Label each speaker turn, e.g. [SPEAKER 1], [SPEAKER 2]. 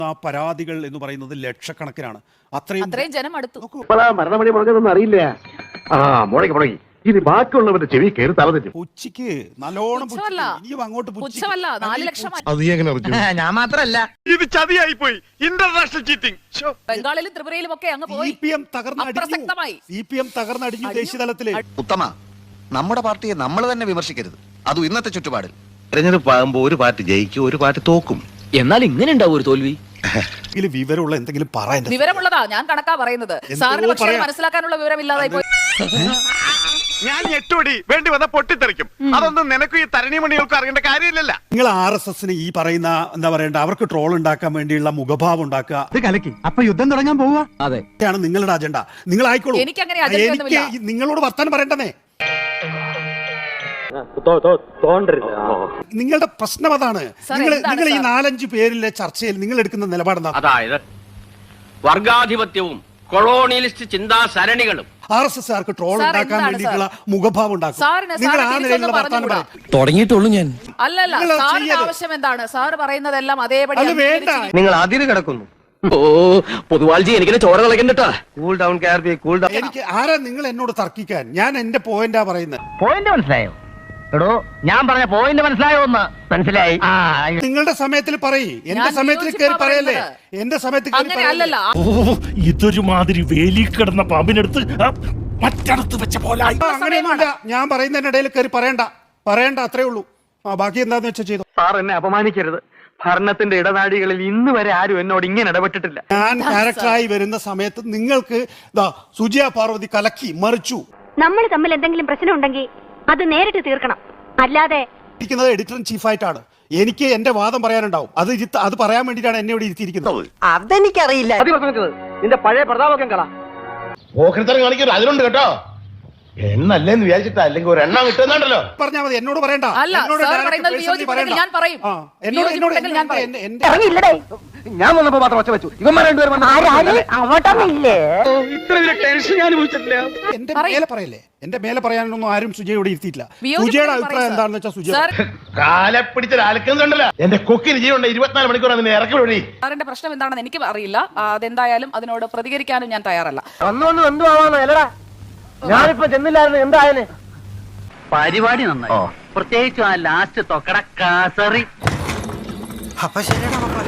[SPEAKER 1] ആ പരാതികൾ എന്ന് പറയുന്നത് ലക്ഷക്കണക്കിനാണ്.
[SPEAKER 2] അത്രയും ജനം അടുത്തു.
[SPEAKER 3] മരണമണി മുടങ്ങുന്നൊന്നും അറിയില്ല. മുടങ്ങി ഇനി ബാക്കിയുള്ളവരുടെ ചെവി കയറി തലതെറ്റും.
[SPEAKER 1] ഉച്ചയ്ക്ക് നല്ലോണം അങ്ങോട്ട്
[SPEAKER 2] പുച്ഛമല്ല, 4 ലക്ഷം.
[SPEAKER 4] ഞാൻ മാത്രല്ല,
[SPEAKER 3] ഇത് ചതിയായി പോയി. International cheating.
[SPEAKER 2] ബംഗാളിലും ത്രിപുരയിലും ഒക്കെ അങ്ങ് പോയി.
[SPEAKER 1] CPM തകർന്നടിഞ്ഞു ദേശീയ തലത്തില്.
[SPEAKER 5] ഉത്തമ, നമ്മുടെ പാർട്ടിയെ നമ്മൾ തന്നെ വിമർശിക്കരുത്. അതും ഇന്നത്തെ ചുറ്റുപാടിൽ.
[SPEAKER 3] തെരഞ്ഞെടുപ്പ് ആകുമ്പോ ഒരു പാർട്ടി ജയിക്കും, ഒരു പാർട്ടി തോക്കും.
[SPEAKER 4] എന്നാൽ ഇങ്ങനെ ഉണ്ടാവും ഒരു തോൽവി.
[SPEAKER 1] വിവരമുള്ള എന്തെങ്കിലും പറയാൻ.
[SPEAKER 2] വിവരമുള്ളതാ, ഞാൻ കണക്കാ പറയുന്നത്. സാറിന് പക്ഷേ മനസ്സിലാക്കാനുള്ള വിവരമില്ലാതായി പോയി.
[SPEAKER 3] ഞാൻ ഞെട്ടോടി വേണ്ടി വന്ന പൊട്ടിത്തെറിക്കും. അതൊന്നും നിനക്ക് ഈ തരണീമണികൾക്ക് അറിയേണ്ട കാര്യമില്ലല്ല.
[SPEAKER 1] നിങ്ങൾ RSSന് ഈ പറയുന്ന എന്താ പറയണ്ട, അവർക്ക് ട്രോൾ ഉണ്ടാക്കാൻ വേണ്ടിയുള്ള മുഖഭാവം ഉണ്ടാക്കുക.
[SPEAKER 6] കലക്കി അപ്പൊ യുദ്ധം തുടങ്ങാൻ പോവാ.
[SPEAKER 1] അതെയാണ് നിങ്ങളുടെ അജണ്ട. നിങ്ങൾ ആയിക്കോളൂ.
[SPEAKER 2] എനിക്ക്
[SPEAKER 1] നിങ്ങളോട് വർത്താനം പറയണ്ടേ. നിങ്ങളുടെ പ്രശ്നം അതാണ്. നിങ്ങൾ ഈ 4-5 പേരിലെ ചർച്ചയിൽ നിങ്ങൾ എടുക്കുന്ന നിലപാടെന്താ?
[SPEAKER 7] അതായത് വർഗാധിപത്യവും കൊളോണിയലിസ്റ്റ് ചിന്താസരണികളും
[SPEAKER 1] RSSകാർക്ക് ട്രോൾ ഉണ്ടാക്കാൻ വേണ്ടിയിട്ടുള്ള മുഖഭാവം ഉണ്ടാക്കും. നിങ്ങൾ ആ നിലയിലുള്ള വർത്താനം പറയും.
[SPEAKER 4] തുടങ്ങിയിട്ടുള്ളൂ ഞാൻ.
[SPEAKER 2] അല്ലല്ല, സാറിന്റെ ആവശ്യം എന്താണ്? സാർ പറയുന്നതെല്ലാം അതേപടി
[SPEAKER 1] വേണ്ട.
[SPEAKER 4] നിങ്ങൾ അതിര് കിടക്കുന്നു. ഓ പൊതുവാൾജി, എനിക്കിനെ ചോര കളക്കണ്ടട്ടാ. കൂൾ ഡൗൺ കാർബി, കൂൾ ഡൗൺ.
[SPEAKER 1] എനിക്ക് ആരാ നിങ്ങൾ എന്നോട് തർക്കിക്കാൻ? ഞാൻ എന്റെ പോയിന്റാ പറയുന്നത്.
[SPEAKER 4] പോയിന്റ് മനസ്സിലായോ? എടോ, ഞാൻ പറഞ്ഞ പോയിന്റ് മനസ്സിലായോ? ഒന്ന് മനസ്സിലായി.
[SPEAKER 1] നിങ്ങളുടെ സമയത്തിൽ പറയ്, എന്റെ സമയത്തിൽ കയറി പറയല്ലേ. എന്റെ സമയത്ത്
[SPEAKER 2] അല്ലല്ല.
[SPEAKER 6] ഇതൊരു മാതിരി വേലി കിടന്ന പാമ്പിനടുത്ത് മറ്റടുത്ത് വെച്ച പോലെ.
[SPEAKER 1] അങ്ങനെയൊന്നുമില്ല. ഞാൻ പറയുന്നതിന്റെ ഇടയിൽ കയറി പറയണ്ട, അത്രേ ഉള്ളൂ. ബാക്കി എന്താന്ന് വെച്ചാൽ ചെയ്തു.
[SPEAKER 4] സാർ എന്നെ അപമാനിക്കരുത്. ഭരണത്തിന്റെ ഇടനാഴികളിൽ ഇന്ന് വരെ ആരും എന്നോട് ഇങ്ങനെ ഇടപെട്ടിട്ടില്ല.
[SPEAKER 1] ഞാൻ ക്യാരക്ടറായി വരുന്ന സമയത്ത് നിങ്ങൾക്ക് സുജിയ പാർവതി കലക്കി മറിച്ചു.
[SPEAKER 8] നമ്മൾ തമ്മിൽ എന്തെങ്കിലും പ്രശ്നം ഉണ്ടെങ്കിൽ അത് നേരിട്ട് തീർക്കണം. അല്ലാതെ
[SPEAKER 1] ഇരിക്കുന്നത് എഡിറ്റർ ഇൻ ചീഫ് ആയിട്ടാണ്. എനിക്ക് എന്റെ വാദം പറയാനുണ്ടാവും. അത് പറയാൻ വേണ്ടിയിട്ടാണ് എന്നെ ഇവിടെ ഇരുത്തിയിരിക്കുന്നത്.
[SPEAKER 4] അതെനിക്കറിയില്ല. നിന്റെ പഴയ പ്രതാപകം കള
[SPEAKER 3] ഓഹരിത്തരം കാണിക്കരുത്. അതിലുണ്ട് കേട്ടോ. എണ്ണല്ലേന്ന് വിചാരിച്ചിട്ടാ, അല്ലെങ്കിൽ ഒരു എണ്ണം കിട്ടുന്നുണ്ടല്ലോ.
[SPEAKER 1] പറഞ്ഞാൽ മതി. എന്നോട് പറയണ്ട.
[SPEAKER 4] ഞാൻ വന്നപ്പോ മാത്രം ഒച്ച വെച്ചു. ഇവന്മാർ രണ്ടുപേരും
[SPEAKER 1] എന്റെ മേലെ പറയല്ലേ. എന്റെ മേലെ പറയാനൊന്നും ആരും സുജയോട് ഇരുത്തിയിട്ടില്ല. സുജയുടെ അഭിപ്രായം എന്താണെന്ന് വെച്ചാൽ സുജ
[SPEAKER 3] കാലെ പിടിച്ചൊരാൾക്കുന്നുണ്ടല്ലോ. എന്റെ കൊക്കിന് ജീവനുണ്ട്. 24 മണിക്കൂർ അതിനെ ഇറക്കി വിടി.
[SPEAKER 2] സാറിന്റെ പ്രശ്നം എന്താണെന്ന് എനിക്ക് അറിയില്ല. അതെന്തായാലും അതിനോട് പ്രതികരിക്കാനും ഞാൻ തയ്യാറല്ല.
[SPEAKER 4] വന്നു എന്തുവാണോ അല്ലടാ. ഞാനിപ്പോ ചെന്നില്ലായിരുന്നു. എന്തായാലും പരിപാടി നന്നായി. പ്രത്യേകിച്ചും ആ ലാസ്റ്റ് തൊക്കട കാസറി.
[SPEAKER 5] അപ്പൊ ശരിയാണ്.